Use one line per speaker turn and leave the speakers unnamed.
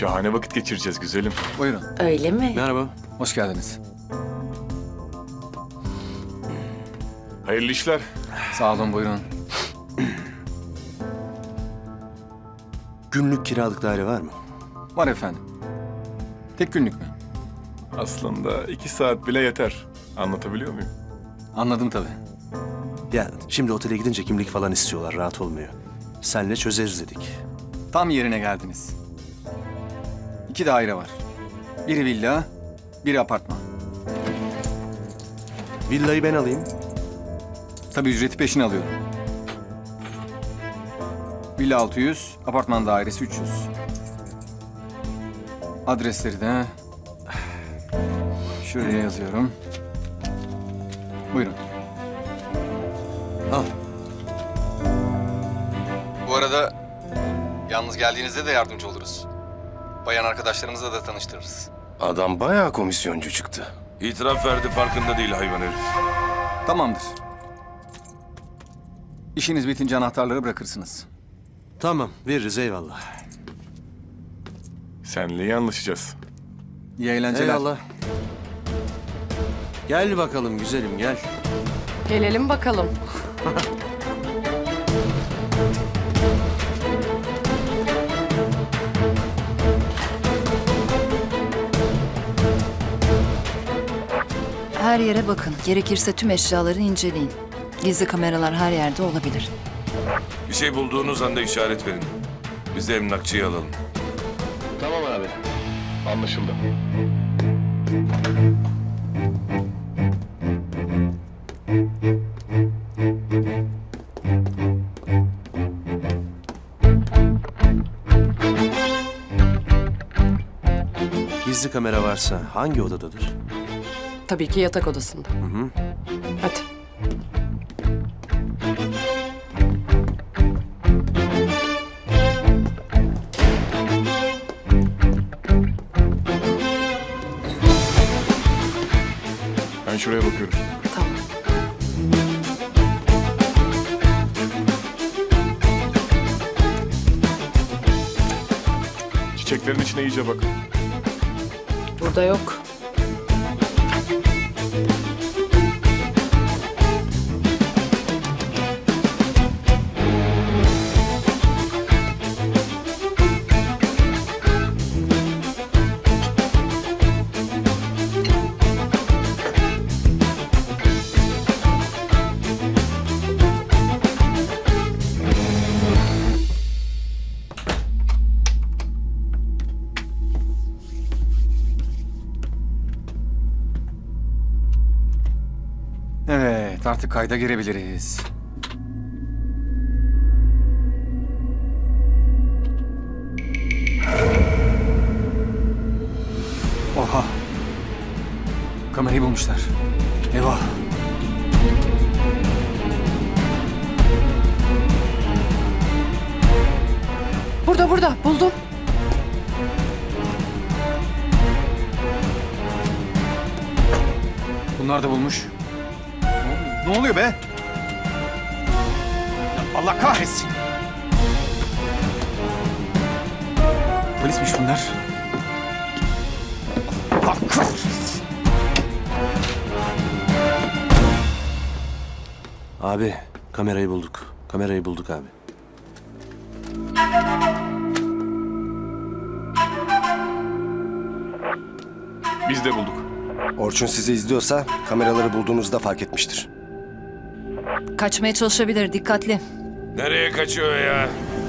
Şahane vakit geçireceğiz güzelim.
Buyurun.
Öyle mi?
Merhaba.
Hoş geldiniz.
Hayırlı işler.
Sağ olun, buyurun.
Günlük kiralık daire var mı?
Var efendim. Tek günlük mü?
Aslında 2 saat bile yeter. Anlatabiliyor muyum?
Anladım tabii.
Ya şimdi otele gidince kimlik falan istiyorlar. Rahat olmuyor. Senle çözeriz dedik.
Tam yerine geldiniz. 2 daire var. Biri villa, biri apartman.
Villayı ben alayım.
Tabii ücreti peşin alıyorum. Villa 600, apartman dairesi 300. Adresleri de şuraya yazıyorum. Buyurun.
Al.
Bu arada yalnız geldiğinizde de yardımcı oluruz. Bayan arkadaşlarımızla da tanıştırırız.
Adam bayağı komisyoncu çıktı.
İtiraf verdi, farkında değil hayvan herif.
Tamamdır. İşiniz bitince anahtarları bırakırsınız.
Tamam veririz eyvallah.
Senle iyi anlaşacağız.
İyi eğlenceler.
Eyvallah. Gel bakalım güzelim gel.
Gelelim bakalım.
Her yere bakın. Gerekirse tüm eşyaları inceleyin. Gizli kameralar her yerde olabilir.
Bir şey bulduğunuz anda işaret verin. Biz de emlakçıyı alalım.
Tamam abi. Anlaşıldı.
Gizli kamera varsa hangi odadadır?
Tabii ki yatak odasında. Hadi.
Ben şuraya bakıyorum.
Tamam.
Çiçeklerin içine iyice bakın.
Burada yok.
Evet, artık kayda girebiliriz. Oha! Kamerayı bulmuşlar. Eyvah!
Burada. Buldum.
Bunlar da bulmuş. Ne oluyor be? Ya Allah kahretsin! Polismiş bunlar. Allah kahretsin!
Abi kamerayı bulduk. Kamerayı bulduk abi.
Biz de bulduk.
Orçun sizi izliyorsa kameraları bulduğunuzda fark etmiştir.
Kaçmaya çalışabilir. Dikkatli.
Nereye kaçıyor ya?